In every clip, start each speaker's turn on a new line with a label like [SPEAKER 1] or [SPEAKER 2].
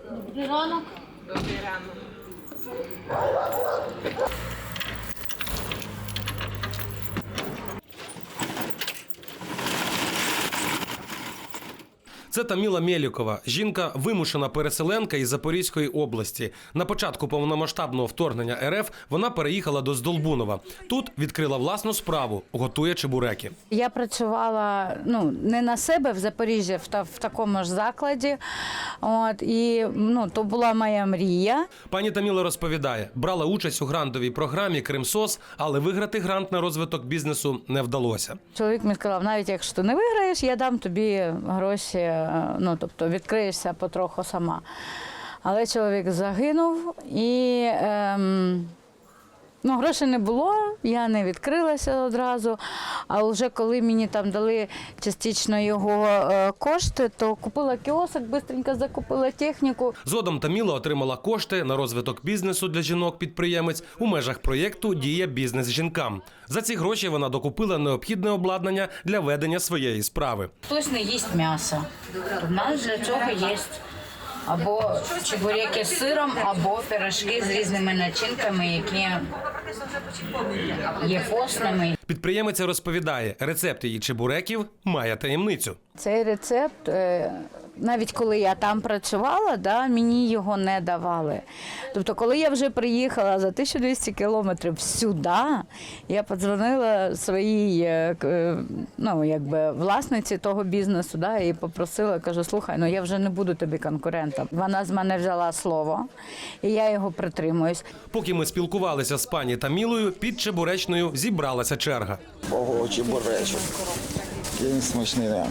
[SPEAKER 1] Добрий ранок.
[SPEAKER 2] Добрий ранок.
[SPEAKER 3] Це Таміла Мєлікова. Жінка – вимушена переселенка із Запорізької області. На початку повномасштабного вторгнення РФ вона переїхала до Здолбунова. Тут відкрила власну справу – готує чебуреки.
[SPEAKER 1] Я працювала не на себе в Запоріжжі, в такому ж закладі. І то була моя мрія.
[SPEAKER 3] Пані Таміла розповідає, брала участь у грантовій програмі «Кримсос», але виграти грант на розвиток бізнесу не вдалося.
[SPEAKER 1] Чоловік мені сказав, навіть якщо ти не виграєш, я дам тобі гроші, тобто відкриєшся потроху сама. Але чоловік загинув і грошей не було, я не відкрилася одразу. А вже коли мені там дали частично його кошти, то купила кіосок, швидко закупила техніку.
[SPEAKER 3] Згодом Таміла отримала кошти на розвиток бізнесу для жінок-підприємець у межах проєкту «Дія бізнес жінкам». За ці гроші вона докупила необхідне обладнання для ведення своєї справи.
[SPEAKER 1] Хтось не їсть м'ясо. У нас для цього є або чебуреки з сиром, або пирожки з різними начинками, які є постними.
[SPEAKER 3] Підприємиця розповідає, рецепт її чебуреків має таємницю.
[SPEAKER 1] Цей рецепт, навіть коли я там працювала, мені його не давали. Тобто, коли я вже приїхала за 1200 кілометрів сюди, я подзвонила своїй власниці того бізнесу і попросила, кажу, слухай, я вже не буду тобі конкурентом. Вона з мене взяла слово, і я його притримуюсь.
[SPEAKER 3] Поки ми спілкувалися з пані Тамілою, під чебуречною зібралася черга.
[SPEAKER 4] Ого, чебуречок. Який смачний, да.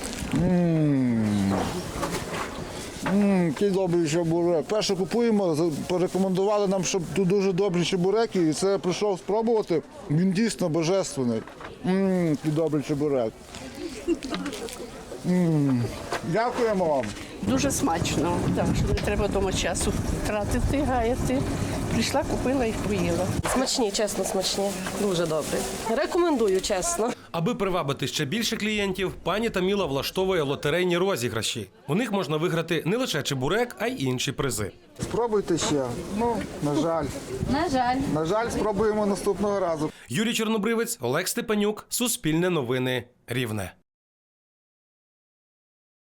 [SPEAKER 4] Який добрий чебурек. Перше купуємо, порекомендували нам, щоб тут дуже добрі чебуреки, і це я прийшов спробувати. Він дійсно божественний. Який добрий чебурек. Дякуємо вам.
[SPEAKER 5] Дуже смачно, так, що не треба вдома часу тратити, гаяти. Прийшла, купила і поїла.
[SPEAKER 6] Смачні, чесно, смачні. Дуже добре. Рекомендую, чесно.
[SPEAKER 3] Аби привабити ще більше клієнтів, пані Таміла влаштовує лотерейні розіграші. У них можна виграти не лише чебурек, а й інші призи.
[SPEAKER 4] Спробуйте ще. На жаль.
[SPEAKER 1] На жаль.
[SPEAKER 4] На жаль, спробуємо наступного разу.
[SPEAKER 3] Юрій Чорнобривець, Олег Степанюк, Суспільне новини, Рівне.